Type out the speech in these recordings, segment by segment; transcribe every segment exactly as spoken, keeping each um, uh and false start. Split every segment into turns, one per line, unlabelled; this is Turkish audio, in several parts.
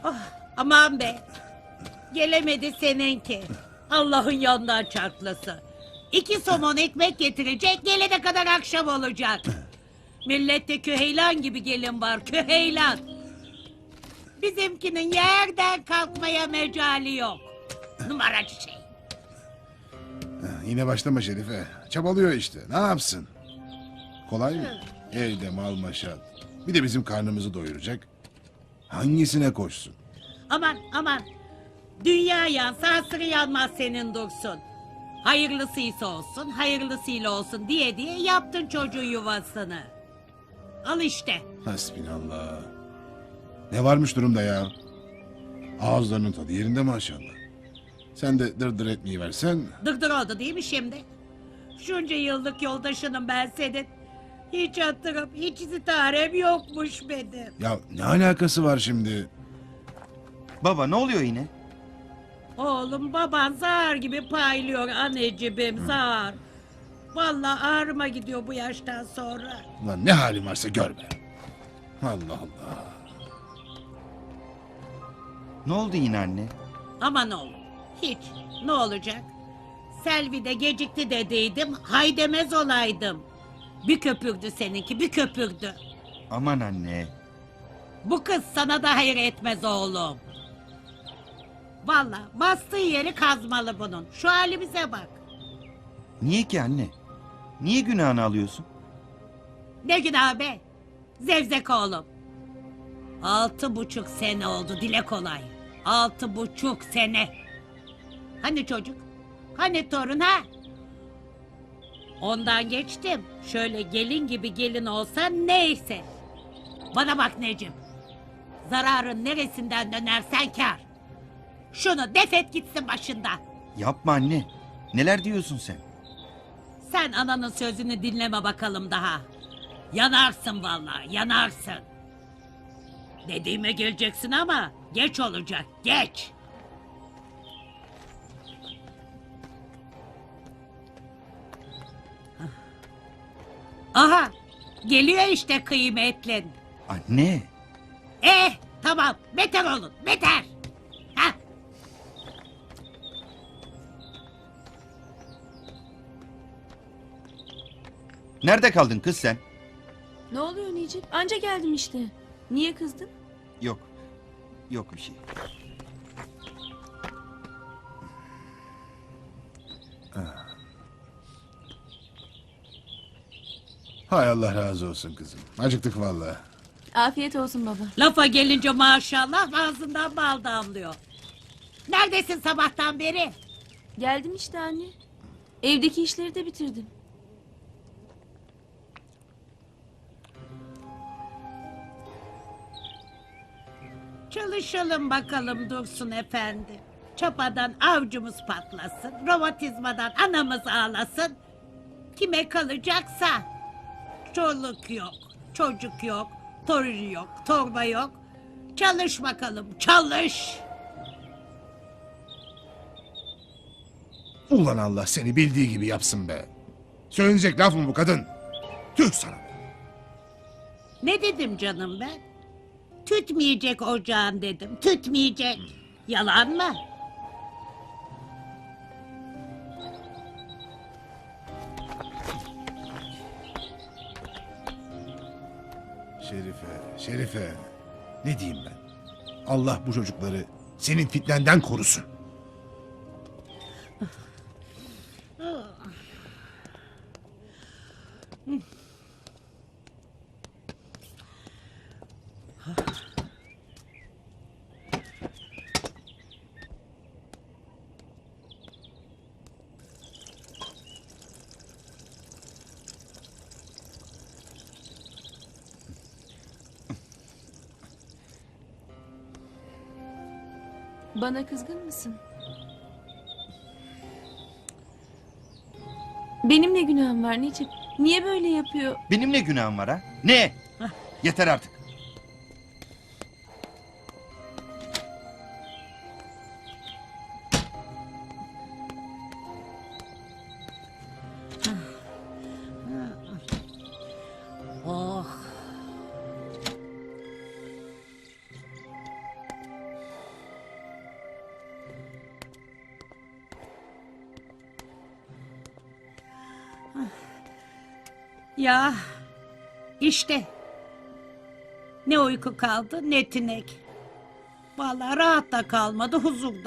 Oh, aman be. Gelemedi seninki. Allah'ın yanından çarplasın. İki somon ekmek getirecek, gelene kadar akşam olacak. Millette küheylan gibi gelin var, küheylan. Bizimkinin yerden kalkmaya mecali yok. Numaracı şey.
Yine başlama Şerife. Çabalıyor işte. Ne yapsın? Kolay mı? Elde mal maşat. Bir de bizim karnımızı doyuracak. Hangisine koşsun?
Aman aman. Dünya yansa asırı yanmaz senin Dursun. Hayırlısıysa olsun, hayırlısıyla olsun diye diye yaptın çocuğun yuvasını. Al işte.
Hasbinallah. Ne varmış durumda ya? Ağızlarının tadı yerinde maşallah. Sen de dırdır etmeyi versen.
Dırdır oldu değil mi şimdi? Şunca yıllık yoldaşınım ben senin. Hiç hatırım, hiç sitarem yokmuş benim.
Ya ne alakası var şimdi?
Baba ne oluyor yine?
Oğlum baban zar gibi paylıyor anneciğim zar. Vallahi ağrıma gidiyor bu yaştan sonra.
Ulan ne halin varsa gör be. Allah Allah.
Ne oldu yine anne?
Aman oğlum hiç ne olacak? Selvi de gecikti dediydim hay demez olaydım. Bir köpürdü seninki bir köpürdü.
Aman anne.
Bu kız sana da hayır etmez oğlum. Vallahi bastığı yeri kazmalı bunun. Şu halimize bak.
Niye ki anne? Niye günahını alıyorsun?
Ne günah be? Zevzek oğlum. Altı buçuk sene oldu dile kolay. Altı buçuk sene. Hani çocuk? Hani torun ha? Ondan geçtim. Şöyle gelin gibi gelin olsa neyse. Bana bak Necip. Zararın neresinden dönersen kar. Şunu defet gitsin başından.
Yapma anne. Neler diyorsun sen?
Sen ananın sözünü dinleme bakalım daha. Yanarsın vallahi, yanarsın. Dediğime geleceksin ama geç olacak, geç. Aha, geliyor işte kıymetlin.
Anne.
Eh, tamam, beter olun, beter. Hah.
Nerede kaldın kız sen?
Ne oluyor Necip? Anca geldim işte. Niye kızdın?
Yok. Yok bir şey.
Hay Allah razı olsun kızım. Acıktık vallahi.
Afiyet olsun baba.
Lafa gelince maşallah ağzından bal damlıyor. Neredesin sabahtan beri?
Geldim işte anne. Evdeki işleri de bitirdim.
Çalışalım bakalım Dursun efendi. Çapadan avcumuz patlasın, romatizmadan anamız ağlasın. Kime kalacaksa. Çoluk yok, çocuk yok, torun yok, torba yok. Çalış bakalım, çalış.
Ulan Allah seni bildiği gibi yapsın be. Söylenecek laf mı bu kadın? Tüh sana.
Ne dedim canım ben? Tütmeyecek ocağın dedim, tütmeyecek. Yalan mı?
Şerife, Şerife. Ne diyeyim ben? Allah bu çocukları senin fitnenden korusun.
Bana kızgın mısın? Benim ne günahım var Necip? Niye böyle yapıyor?
Benim ne günahım var ha? Ne? Yeter artık.
Oh. Ya işte ne uyku kaldı ne tinek. Vallahi rahat da kalmadı huzurda.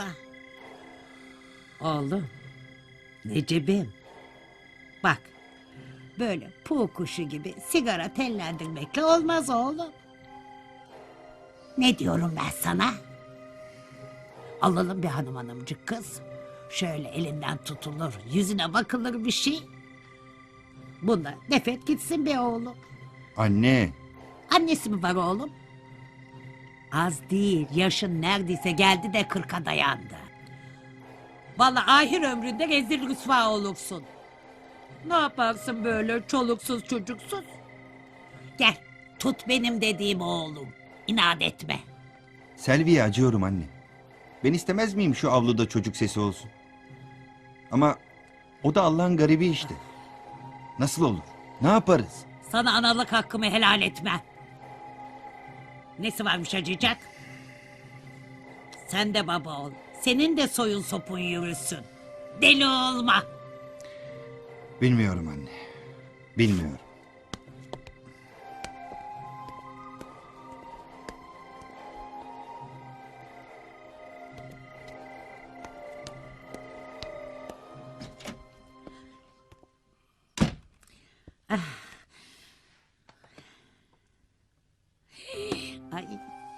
Oğlum, Necip'im. Bak, böyle puğ kuşu gibi sigara tellendirmekle olmaz oğlum. Ne diyorum ben sana? Alalım bir hanım hanımcık kız. Şöyle elinden tutulur, yüzüne bakılır bir şey. Bunda nefret gitsin be oğlum.
Anne.
Annesi mi var oğlum? Az değil, yaşın neredeyse geldi de kırka dayandı. Vallahi ahir ömründe rezil rüsva olursun. Ne yaparsın böyle çoluksuz çocuksuz? Gel, tut benim dediğim oğlum. İnat etme.
Selvi'ye acıyorum anne. Ben istemez miyim şu avluda çocuk sesi olsun? Ama o da Allah'ın garibi işte. Nasıl olur? Ne yaparız?
Sana analık hakkımı helal etmem. Nesi varmış acıyacak? Sen de baba ol. Senin de soyun sopun yürüsün. Deli olma.
Bilmiyorum anne. Bilmiyorum.
Ay,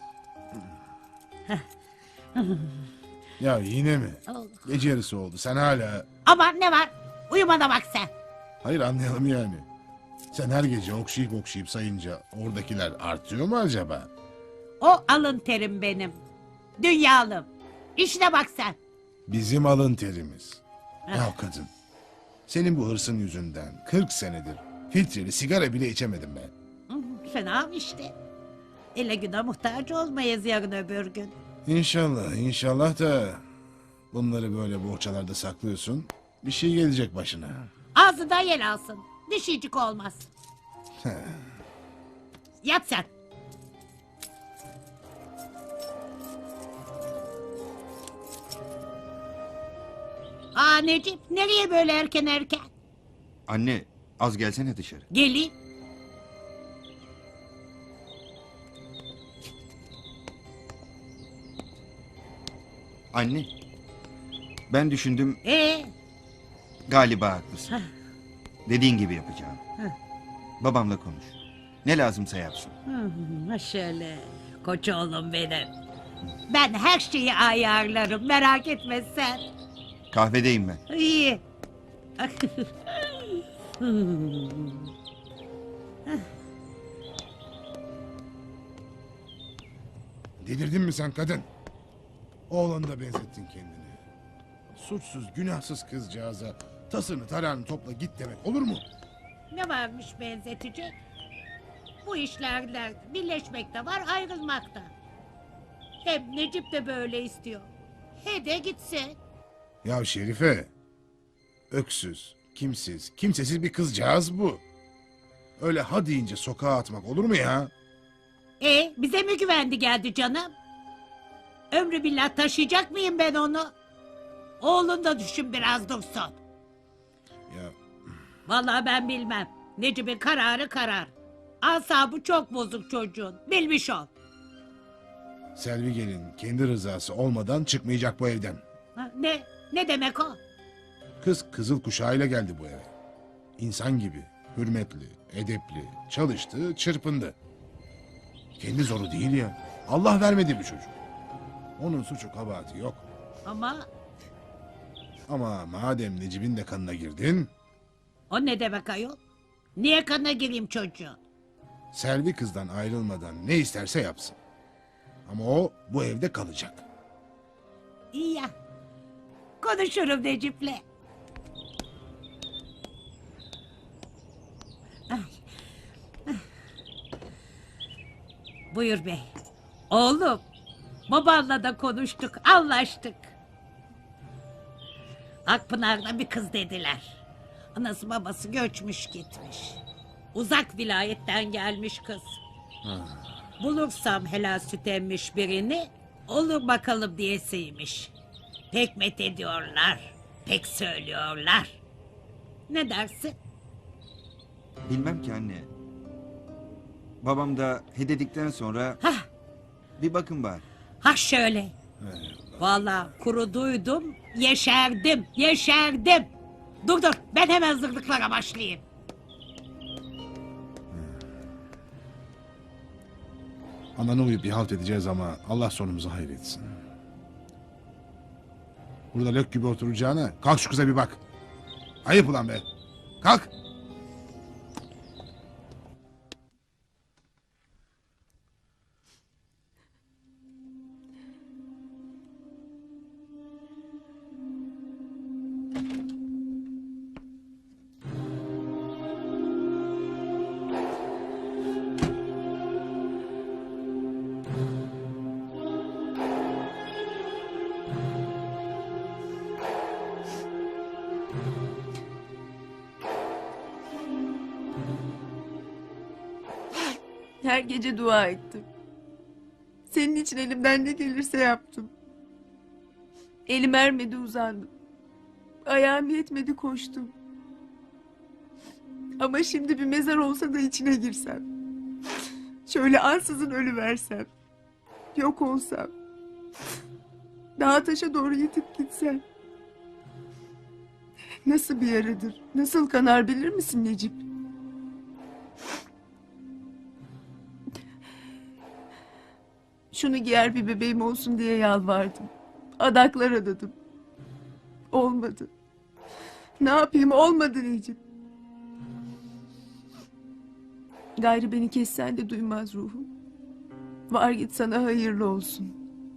Ya yine mi?
Allah.
Gece yarısı oldu. Sen hala...
Aman ne var? Uyumana bak sen.
Hayır anlayalım yani. Sen her gece okşayıp okşayıp sayınca oradakiler artıyor mu acaba?
O alın terim benim. Dünyalım. İşine bak sen.
Bizim alın terimiz. Ya kadın. Senin bu hırsın yüzünden kırk senedir filtreli sigara bile içemedim ben.
Hı, fena işte. Ele güne muhtaç olmayız yarın öbür gün.
İnşallah, inşallah da bunları böyle bohçalarda saklıyorsun. Bir şey gelecek başına.
Ağzından yel alsın. Dişicik olmaz. Yat sen. Aa Necip, nereye böyle erken erken?
Anne az gelsene dışarı.
Geleyim.
Anne. Ben düşündüm
Ee,
galiba haklısın.
Heh.
Dediğin gibi yapacağım.
Heh.
Babamla konuş. Ne lazımsa yapsın.
hı, şöyle koç oğlum benim. Ben her şeyi ayarlarım, merak etme sen.
Kahvedeyim ben.
İyi.
Delirdin mi sen kadın? Oğlanı da benzettin kendini. Suçsuz, günahsız kızcağıza tasını tarağını topla git demek olur mu?
Ne varmış benzetecek? Bu işlerle birleşmek de var, ayrılmak da. Hem Necip de böyle istiyor. He de gitsin.
Ya Şerife, öksüz, kimsiz, kimsesiz bir kızcağız bu. Öyle ha deyince sokağa atmak olur mu ya?
E bize mi güvendi geldi canım? Ömrü billah taşıyacak mıyım ben onu? Oğlun da düşün biraz dursun.
Ya
Vallahi ben bilmem. Necip'in kararı karar. Asabı çok bozuk çocuğun. Bilmiş ol.
Selvi gelin kendi rızası olmadan çıkmayacak bu evden.
Ha, ne? Ne demek o?
Kız kızıl kuşağıyla geldi bu eve. İnsan gibi, hürmetli, edepli, çalıştı, çırpındı. Kendi zoru değil ya. Allah vermedi bir çocuk. Onun suçu kabahati yok.
Ama
Ama madem Necip'in de kanına girdin,
o ne demek ayol? Niye kanına gireyim çocuğun?
Selvi kızdan ayrılmadan ne isterse yapsın. Ama o bu evde kalacak.
İyi ya. Konuşurum Necip'le. Ay. Ah. Buyur bey. Oğlum, babanla da konuştuk, anlaştık. Akpınar'da bir kız dediler. Anası babası göçmüş gitmiş. Uzak vilayetten gelmiş kız. Bulursam helal süt emmiş birini, olur bakalım diyesiymiş. Pek met ediyorlar, pek söylüyorlar. Ne dersin?
Bilmem ki anne. Babam da he dedikten sonra
Hah,
bir bakın bari.
ha şöyle. Vallahi kuruduydum, yeşerdim, yeşerdim. Dur dur, ben hemen hazırlıklara başlayayım.
Ananı uyup bir halt edeceğiz ama Allah sonumuzu hayretsin. Burada lök gibi oturacağına kalk şu kıza bir bak. Ayıp ulan be. Kalk.
Her gece dua ettim. Senin için elimden ne gelirse yaptım. Elim ermedi uzandım. Ayağım yetmedi koştum. Ama şimdi bir mezar olsa da içine girsem. Şöyle ansızın ölüversem. Yok olsam. Dağa taşa doğru yitip gitsem. Nasıl bir yaradır? Nasıl kanar bilir misin Necip? Şunu giyer bir bebeğim olsun diye yalvardım. Adaklar adadım. Olmadı. Ne yapayım olmadı Necip. Gayrı beni kessen de duymaz ruhum. Var git sana hayırlı olsun.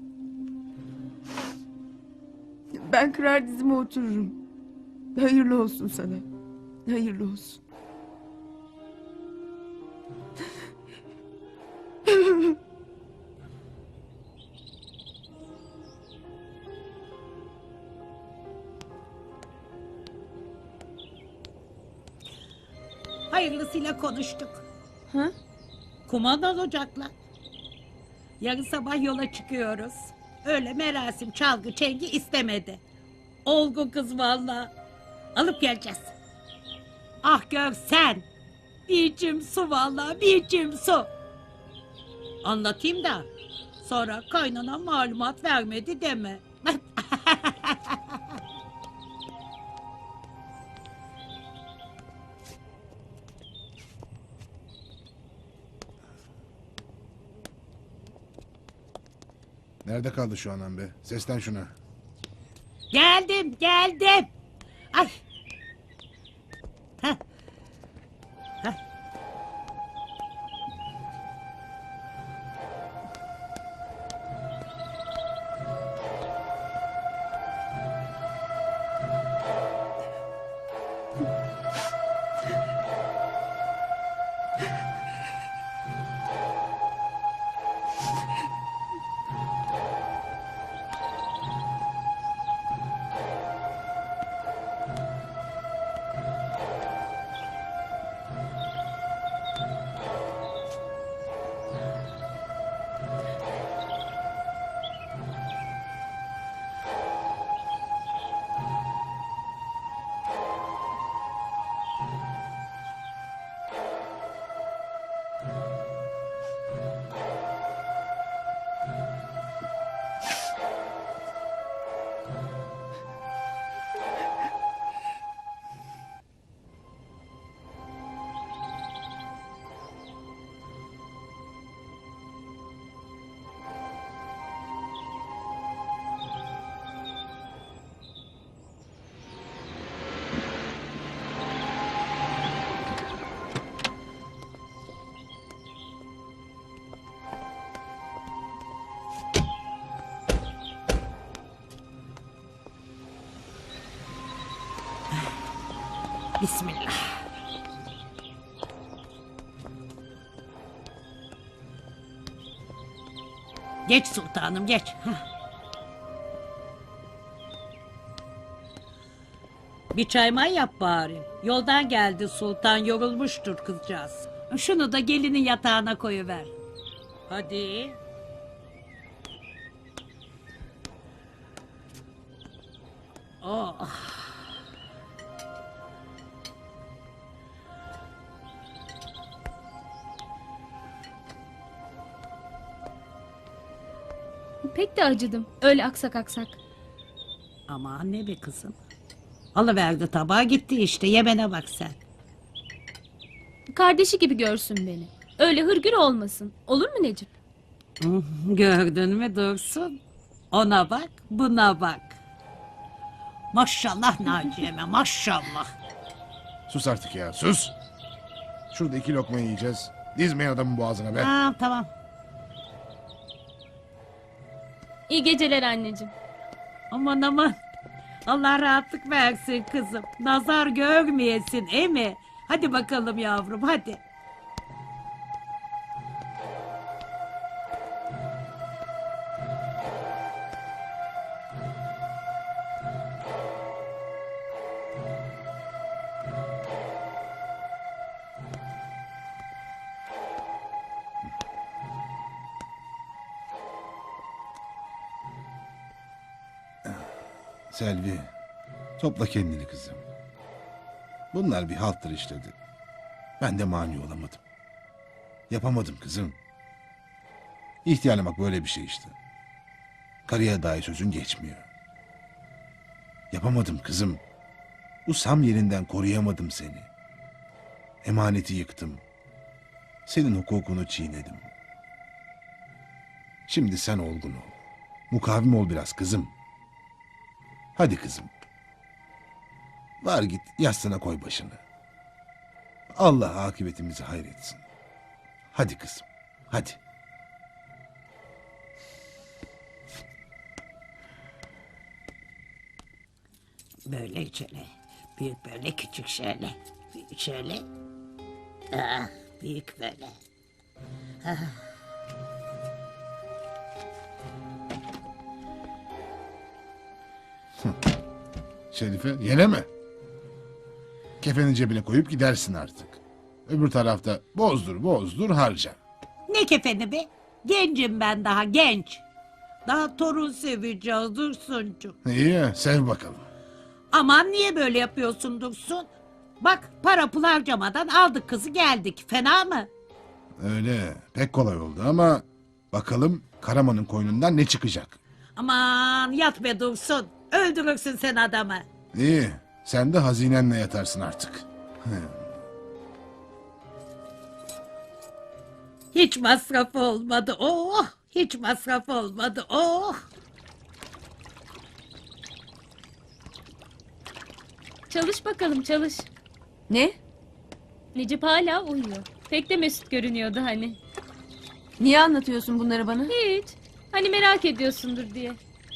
Ben kırar dizime otururum. Hayırlı olsun sana. Hayırlı olsun.
Hayırlısıyla konuştuk.
Ha?
Kumandan ocakla. Yarın sabah yola çıkıyoruz. Öyle merasim, çalgı, çengi istemedi. Olgun kız vallahi. Alıp geleceğiz. Ah gör sen. Bir içim su vallahi, bir içim su. Anlatayım da sonra kaynana malumat vermedi deme.
Nerede kaldı şu anam be? Seslen şuna.
Geldim, geldim. Ay. Heh. Heh. Bismillah. Geç sultanım geç. Heh. Bir çay may yap bari. Yoldan geldi sultan, yorulmuştur kızcağız. Şunu da gelinin yatağına koyuver. Hadi. Oh.
Pek de acıdım. Öyle aksak aksak.
Ama anne be kızım. Alıverdi tabağı gitti işte, yemene bak sen.
Kardeşi gibi görsün beni. Öyle hırgür olmasın. Olur mu Necip?
Hı, gördün mü Dursun? Ona bak, buna bak. Maşallah Naciye'me, maşallah.
Sus artık ya, sus. Şurada iki lokma yiyeceğiz. Dizmeyin adamın boğazına be.
Tamam tamam.
İyi geceler anneciğim.
Aman aman. Allah rahatlık versin kızım. Nazar görmeyesin, e mi? Hadi bakalım yavrum, hadi.
Selvi, topla kendini kızım. Bunlar bir halttır işledi. Ben de mani olamadım. Yapamadım kızım. İhtiyarlamak böyle bir şey işte. Karıya dair sözün geçmiyor. Yapamadım kızım. Usam yerinden koruyamadım seni. Emaneti yıktım. Senin hukukunu çiğnedim. Şimdi sen olgun ol. Mukavim ol biraz kızım. Hadi kızım. Var git yastığına koy başını. Allah akıbetimizi hayretsin. Hadi kızım. Hadi.
Böyle şöyle. Büyük böyle, küçük şöyle. Büyük şöyle. Ah, büyük böyle.
Şerife yeneme. Kefenin cebine koyup gidersin artık. Öbür tarafta bozdur bozdur harca.
Ne kefeni be? Gencim ben daha, genç. Daha torun seveceğiz Dursuncuğum.
İyi sev bakalım.
Aman niye böyle yapıyorsun Dursun? Bak para pul harcamadan aldık kızı geldik. Fena mı?
Öyle pek kolay oldu ama bakalım Karaman'ın koynundan ne çıkacak.
Aman yat be Dursun. Öldürürsün sen adamı.
İyi sen de hazinenle yatarsın artık.
Hiç masraf olmadı. Oh! Hiç masraf olmadı. Oh!
Çalış bakalım çalış.
Ne?
Necip hala uyuyor. Pek de mesut görünüyordu hani.
Niye anlatıyorsun bunları bana?
Hiç. Hani merak ediyorsundur diye.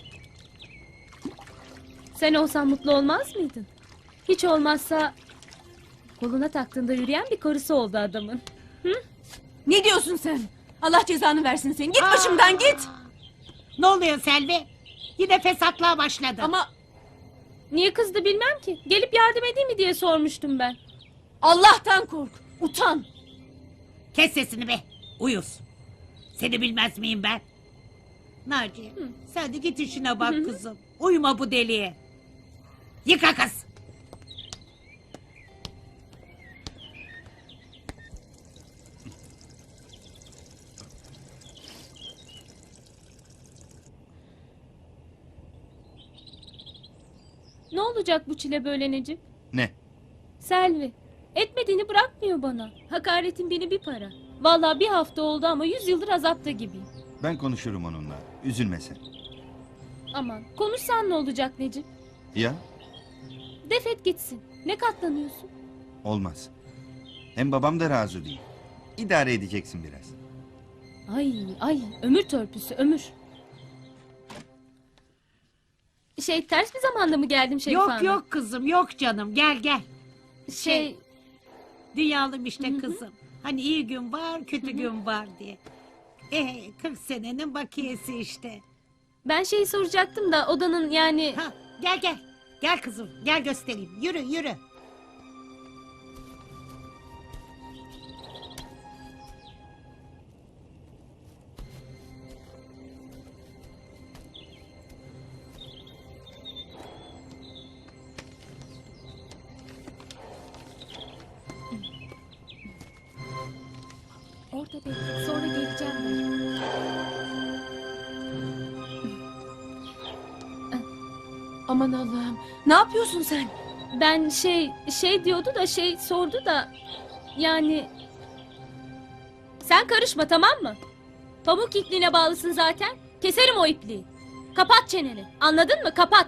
Sen olsan mutlu olmaz mıydın? Hiç olmazsa koluna taktığında yürüyen bir korusu oldu adamın.
Ne diyorsun sen? Allah cezanı versin seni. Git
Aa!
başımdan git.
Ne oluyor Selvi? Yine fesatlığa başladı.
Ama
Niye kızdı bilmem ki. Gelip yardım edeyim mi diye sormuştum ben.
Allah'tan kork. Utan.
Kes sesini be. Uyuz. Seni bilmez miyim ben? Naciye sen de git işine bak kızım. Uyuma bu deliye. Yıka kız.
Ne olacak bu çile böyle Necip?
Ne?
Selvi. Etmediğini bırakmıyor bana. Hakaretin beni bir para. Vallahi bir hafta oldu ama yüz yıldır azapta gibiyim.
Ben konuşurum onunla. Üzülme sen.
Aman konuşsan ne olacak Necip?
Ya?
Defet gitsin. Ne katlanıyorsun?
Olmaz. Hem babam da razı değil. İdare edeceksin biraz.
Ay ay ömür törpüsü ömür. Şey ters bir zamanda mı geldim Şerife
Yok
Hanım?
yok kızım yok canım gel gel.
Şey
Dünyalım işte kızım. Hani iyi gün var kötü gün var diye. Eh kırk senenin bakiyesi işte.
ben şeyi soracaktım da odanın yani...
Ha, gel gel. Gel kızım gel göstereyim. Yürü yürü.
Orada bekle sonra geleceğim ben.
Aman Allah'ım. Ne yapıyorsun sen?
Ben şey şey diyordu da şey sordu da yani sen karışma, tamam mı? Pamuk ipliğine bağlısın zaten. Keserim o ipliği. Kapat çeneni. Anladın mı? Kapat.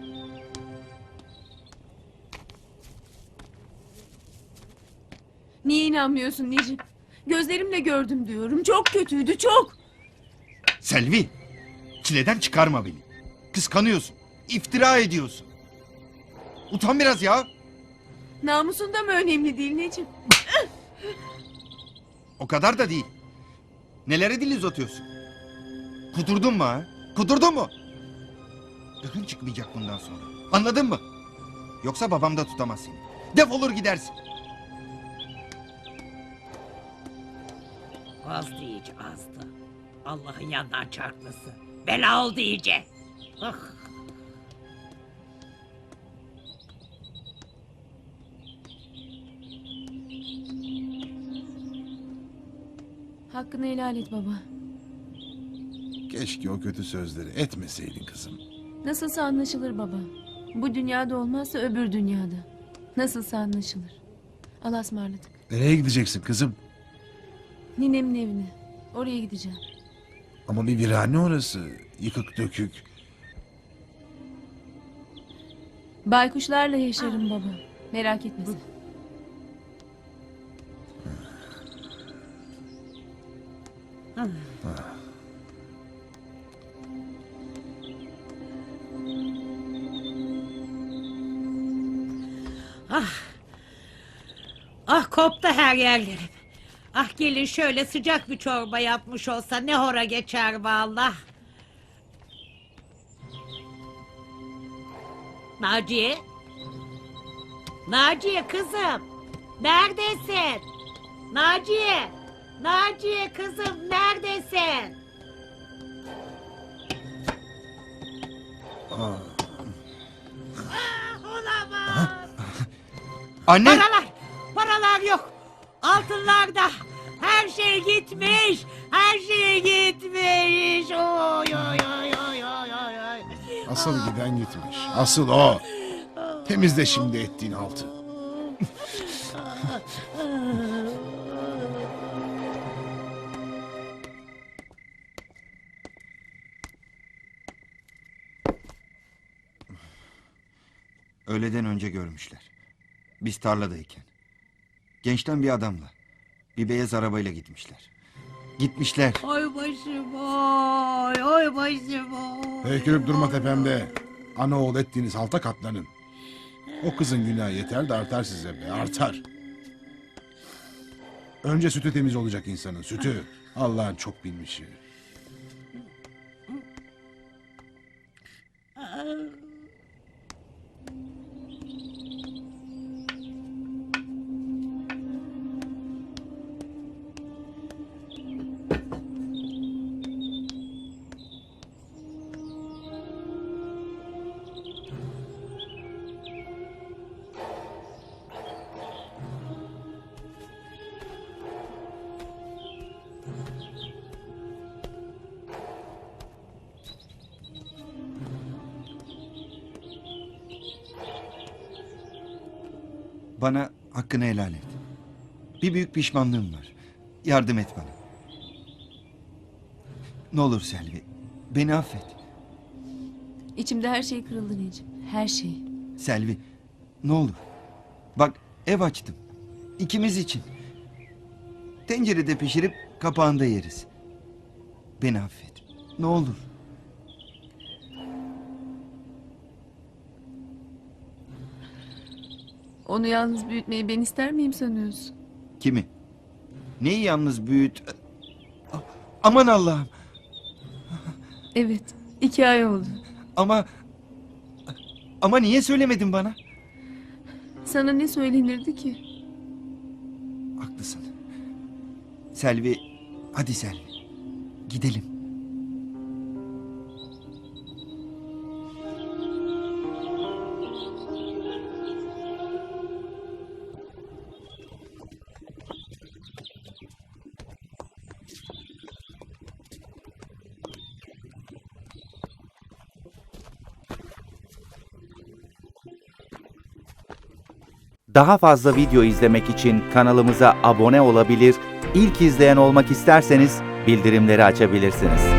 Niye inanmıyorsun Necip? Gözlerimle gördüm diyorum. Çok kötüydü, çok.
Selvi, çileden çıkarma beni. Kıskanıyorsun, iftira ediyorsun. Utan biraz ya.
Namusun da mı önemli değil Necip?
O kadar da değil. Nelere dil uzatıyorsun? Kudurdun mu ha? Kudurdun mu? Gıkın çıkmayacak bundan sonra. Anladın mı? Yoksa babam da tutamaz seni. Defolur gidersin.
Azdı iyice azdı. Allah'ın yandan çarpması. Bela oldu iyice. Ah.
Hakkını helal et baba.
Keşke o kötü sözleri etmeseydin kızım.
Nasılsa anlaşılır baba. Bu dünyada olmazsa öbür dünyada. Nasılsa anlaşılır. Allah'a ısmarladık.
Nereye gideceksin kızım?
Ninemin evine. Oraya gideceğim.
Ama bir virane orası. Yıkık dökük.
Baykuşlarla yaşarım baba. Merak etme sen.
Ah koptu her yerlerim. Ah gelin şöyle sıcak bir çorba yapmış olsa ne hora geçer vallahi. Naciye. Naciye kızım. Neredesin? Naciye. Naciye kızım neredesin?
Aa,
Ah, olamaz.
Anne!
Paralar. Paralar yok. Altınlar da. Her şey gitmiş. Her şey gitmiş. Oy oy oy oy oy oy oy.
asıl giden gitmiş. Asıl o. Temizle şimdi ettiğin altı.
Öğleden önce görmüşler. Biz tarladayken. Gençten bir adamla. Bir beyaz arabayla gitmişler. Gitmişler.
Oy başım oy. Oy başım oy.
Heykürüp durma tepemde. Ana oğul ettiğiniz halta katlanın. O kızın günahı yeter de artar size be, artar. Önce sütü temiz olacak insanın, sütü. Allah'ın çok bilmişi.
Bana hakkını helal et. Bir büyük pişmanlığım var. Yardım et bana. Ne olur Selvi. Beni affet.
İçimde her şey kırıldı Necip. Her şey.
Selvi. Ne olur. Bak ev açtım. İkimiz için. Tencerede pişirip kapağında yeriz. Beni affet. Ne olur.
Onu yalnız büyütmeyi ben ister miyim sanıyorsun?
Kimi? Neyi yalnız büyüt... A- Aman Allah'ım.
Evet. iki ay oldu.
Ama... Ama niye söylemedin bana?
Sana ne söylenirdi ki?
Haklısın. Selvi... Hadi Selvi. Gidelim.
Daha fazla video izlemek için kanalımıza abone olabilir, ilk izleyen olmak isterseniz bildirimleri açabilirsiniz.